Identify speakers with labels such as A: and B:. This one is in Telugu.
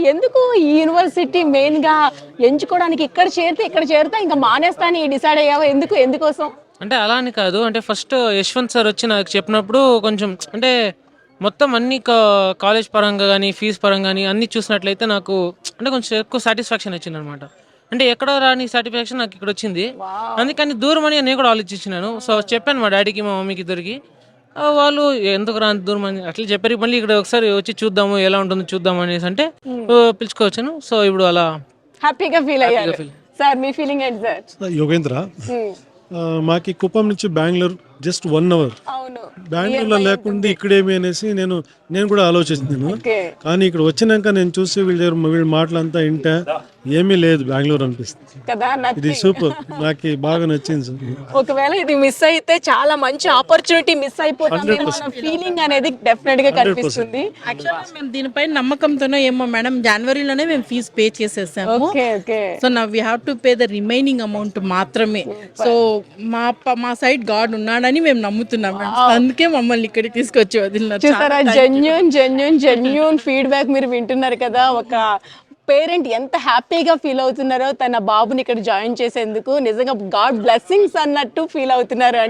A: ఎందుకు ఈ యూనివర్సిటీ మెయిన్ గా ఎంచుకోవడానికి ఇక్కడ చేరితే ఇంకా మానేస్తా అని డిసైడ్ అయ్యావా? ఎందుకోసం?
B: అంటే అలా అని కాదు. అంటే ఫస్ట్ యశ్వంత్ సార్ వచ్చి నాకు చెప్పినప్పుడు కొంచెం అంటే మొత్తం అన్ని కాలేజ్ పరంగా కానీ ఫీజు పరంగా కానీ అన్ని చూసినట్లయితే నాకు అంటే కొంచెం ఎక్కువ సాటిస్ఫాక్షన్ వచ్చింది అనమాట. అంటే ఎక్కడో రాని సాటిస్ఫాక్షన్ నాకు ఇక్కడ వచ్చింది. అందుకని దూరం అని నేను కూడా ఆలోచించినాను. సో చెప్పాను మా డాడీకి మా మమ్మీకి ఇద్దరికి. వాళ్ళు ఎందుకు రాని దూరం అని అట్లా చెప్పారు. మళ్ళీ ఇక్కడ ఒకసారి వచ్చి చూద్దాము ఎలా ఉంటుందో చూద్దాం అనేసి అంటే పిలుచుకోవచ్చును. సో ఇప్పుడు అలా
A: హ్యాపీగా ఫీల్ అయ్యారు. సార్ మీ ఫీలింగ్ ఏంటి సార్?
C: యోగేంద్ర, మాకి కుప్పం నుంచి బెంగళూరు జస్ట్ 1 hour.
A: అవును,
C: బెంగళూరులో లేకుండా ఇక్కడేమి అనేసి నేను కూడా ఆలోచిస్తున్నాను. కానీ ఇక్కడ వచ్చినాక నేను చూసి వీళ్ళ మాటలంతా వింటే ఏమీ లేదు బెంగళూరు అనిపిస్తుంది
A: కదా.
C: ఇది సూపర్, నాకు బాగా నచ్చింది సార్.
A: ఒకవేళ ఇది మిస్ అయితే చాలా మంచి ఆపర్చునిటీ మిస్ అయిపోతుంది ఫీలింగ్ అనేది డెఫినెట్ గా కనిపిస్తుంది.
D: మేము దీనిపై నమ్మకంతోనే ఏమో మేడం జనవరిలోనే మేము ఫీజు పే చేసేసాము. సో నా we have to pay the remaining amount మాత్రమే. సో మా సైడ్ గాడ్ ఉన్నాడని మేము నమ్ముతున్నాం. అందుకే మమ్మల్ని ఇక్కడికి తీసుకొచ్చి వదిలినారు.
A: చూసారా, జెన్యూన్ ఫీడ్బ్యాక్ మీరు వింటున్నారు కదా. ఒక పేరెంట్ ఎంత హ్యాపీగా ఫీల్ అవుతున్నారో తన బాబుని ఇక్కడ జాయిన్ చేసేందుకు. నిజంగా గాడ్ బ్లెస్సింగ్స్ అన్నట్టు ఫీల్ అవుతున్నారు.